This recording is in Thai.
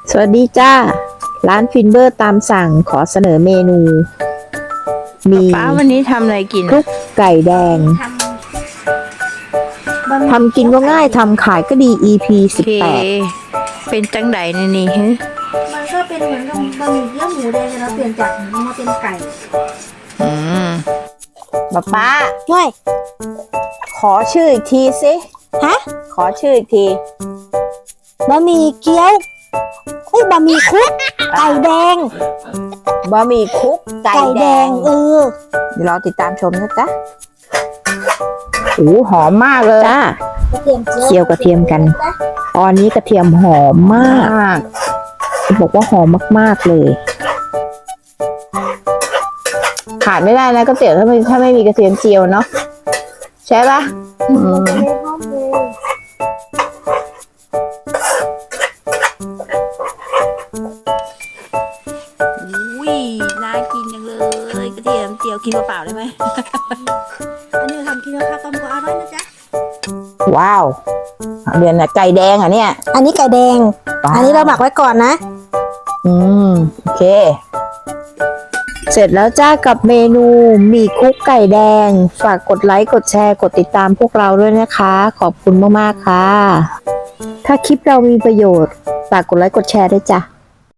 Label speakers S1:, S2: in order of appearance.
S1: สวัสดีจ้าร้านฟินเบอร์ตามสั่งขอเสนอเมนูมี
S2: ป้าวันนี้ทำอะไรกิน
S1: คลุกไก่แดงทำกินก็ง่ายทำขายก็ดี EP
S2: โอเค
S1: 18
S2: เป็นจังไดในนี่ฮะ
S3: มันก็เป็นเหมือนกับบะหมี่เกี๊ยวหมูแดงแต่เราเปลี่ยนจากหมูมาเป็นไก่
S2: อืม
S1: ป้า
S3: ว้ย
S1: ขอชื่ออีกทีสิ
S3: ฮะ
S1: ขอชื่ออีกที
S3: บะหมี่เกี๊ยวบะหมี่คลุกไก่แดง
S1: บะหมี่คลุกไก่แดง เดี๋ยวรอติดตามชมนะจ๊ะโอ้หอมมากเลยจ้าก
S3: ระเทียมเจียว
S1: เคี่ยวกระเทียมกัน ตอนนี้กระเทียมหอมมากบอกว่าหอมมากๆเลยขาดไม่ได้นะก๋วยเตี๋ยวถ้าไม่มีกระเทียมเจียวเนาะใช่ปะ
S2: อุ้ยน่ากินจังเลยกระเทียมเจียวกินเปล่าๆได้ไหม
S3: อันนี้ทำกินแล้วข้าวต้มก็อร่อยนะจ๊ะ
S1: ว้าวเดือนน่ะไก่แดงอ่ะเนี่ย
S3: อันนี้ไก่แดง อันนี้เราหมักไว้ก่อนนะ
S1: โอเค เสร็จแล้วจ้ากับเมนูหมี่คลุกไก่แดง ฝากกดไลค์กดแชร์กดติดตามพวกเราด้วยนะคะ ขอบคุณมากๆค่ะ ถ้าคลิปเรามีประโยชน์ฝากกดไลค์กดแชร์ด้วยจ้ะ